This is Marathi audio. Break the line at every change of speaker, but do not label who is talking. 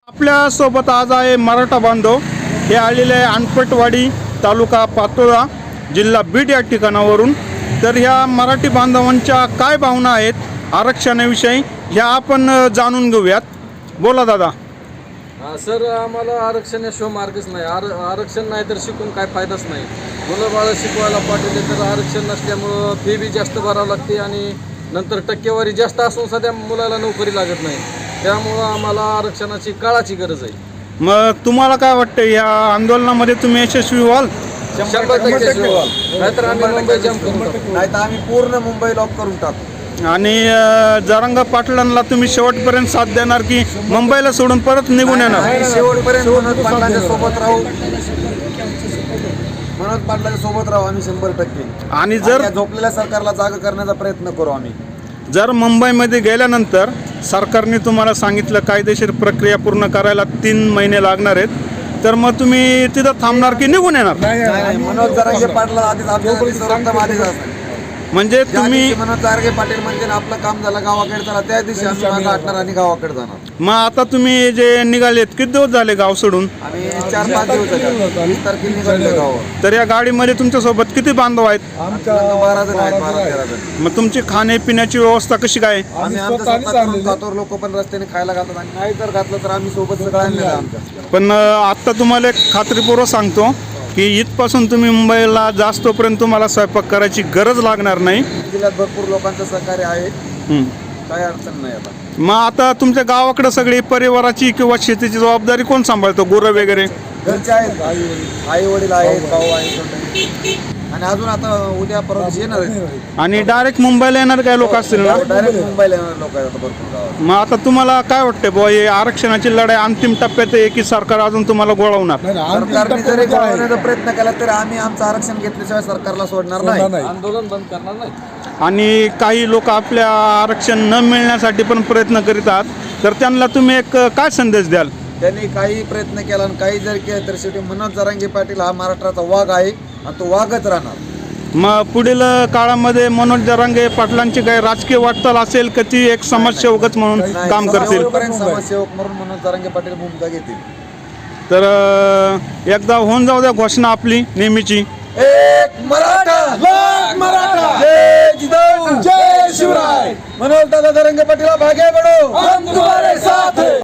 आपल्या सोबत आज आहे मराठा बांधव. हे आलेले आहे अनपटवाडी, तालुका पातोळा, जिल्हा बीड या ठिकाणावरून. तर ह्या मराठी बांधवांच्या काय भावना आहेत आरक्षणाविषयी ह्या आपण जाणून घेऊयात. बोला दादा.
सर, आम्हाला आरक्षणाशिवाय मार्गच नाही. आरक्षण नाही तर शिकून काय फायदाच नाही. मुलं बाळं शिकवायला पाठवले तर आरक्षण नसल्यामुळं फी बी जास्त भरावं लागते आणि नंतर टक्केवारी जास्त असून सध्या मुलाला नोकरी लागत नाही. त्यामुळं आम्हाला आरक्षणाची काळाची गरज आहे.
मग तुम्हाला काय वाटतं या आंदोलनामध्ये तुम्ही यशस्वी व्हाल?
100% नाहीतर आम्ही मुंबई जाम करून टाकू.
नाही तर आम्ही पूर्ण मुंबई लॉक करून टाकू.
आणि जरांगे पाटलांना तुम्ही शेवटपर्यंत साथ देणार की मुंबईला सोडून परत निघून येणार?
आम्ही शेवटपर्यंत मनोज पाटलांच्या सोबत राहू. मनोज पाटलांच्या सोबत राहू आम्ही 100%.
आणि जर
या झोपलेल्या सरकारला जागा करण्याचा प्रयत्न करू आम्ही.
जर मुंबईमध्ये गेल्यानंतर सरकारने तुम्हाला सांगितलं कायदेशीर प्रक्रिया पूर्ण करायला 3 महिने लागणार आहेत, तर मग तुम्ही तिथं थांबणार की निघून येणार?
नाही, मनोज जरांगे पाटला आधीच आमच्या
म्हणजे तुम्ही
मनोज जरांगे पाटील म्हणजे आपलं काम झालं गावाकडे चला, त्या दिवशी आम्ही मागं हटणार आणि गावाकडे जाणार.
मग आता तुम्ही जे निघालेत किती दिवस झाले गाव सोडून?
आम्ही 4-5 दिवस झाले. 20 तारखेला निघालो गावावर.
तर या गाडीमध्ये तुमच्या सोबत किती बांधव आहेत?
12 जण आहेत, 12-13 जण.
मग तुमची खाण्यापिण्याची व्यवस्था कशी काय?
आम्ही आमचं स्वतः करून खातो. लोक पण रस्त्याने खायला घालतात आणि नाही जर घातलं तर आम्ही सोबत सगळं आणलेलं आमच्या.
पण आता तुम्हाला एक खात्रीपूर्वक सांगतो की इथपासून तुम्ही मुंबईला जास्तोपर्यंत तुम्हाला स्वयंपाक करायची गरज लागणार नाही.
जिल्ह्यात भरपूर लोकांचं सहकार्य आहे,
हं.
काही अडचण नाही. आता
मग आता तुमच्या गावाकडे सगळी परिवाराची किंवा शेतीची जबाबदारी कोण सांभाळतो? गुरं वगैरे
घरचे आहेत, आई वडील आहेत, भाऊ आहेत आणि अजून आता उद्या परवा येणार आहेत.
आणि डायरेक्ट मुंबईला येणार काय लोक असतील ना?
डायरेक्ट मुंबईला येणार लोक आहेत आता भरपूर गावात.
मग आता तुम्हाला काय वाटतं बुवा, हे आरक्षणाची लढाई अंतिम टप्प्यात आहे की सरकार अजून तुम्हाला गोळवणार?
सरकारने जरी गोळवण्याचा प्रयत्न केला तरी आम्ही आमचं आरक्षण घेतल्याशिवाय सरकारला सोडणार नाही.
आंदोलन बंद करणार नाही.
आणि काही लोक आपल्या आरक्षण न मिळण्यासाठी पण प्रयत्न करीत आहात, तर त्यांना तुम्ही एक काय संदेश द्याल?
त्यांनी काही प्रयत्न केला आणि काही जर केलं तर शेवटी मनोज जरांगे पाटील हा महाराष्ट्राचा वाघ आहे आणि तो वाघच राहणार.
मग पुढील काळामध्ये मनोज जरांगे पाटलांची काही राजकीय वाटचाल असेल का ती एक समाजसेवकच म्हणून काम करतील?
समाजसेवक म्हणून मनोज जरांगे पाटील भूमिका घेतील.
तर एकदा होऊन जाऊ द्या घोषणा आपली नेहमीची.
एक मराठा, लाख मराठा, जय जिजाऊ, जय शिवराय. मनोज दादा जरांगे पाटील भागे बढो, हम तुम्हारे साथ हैं.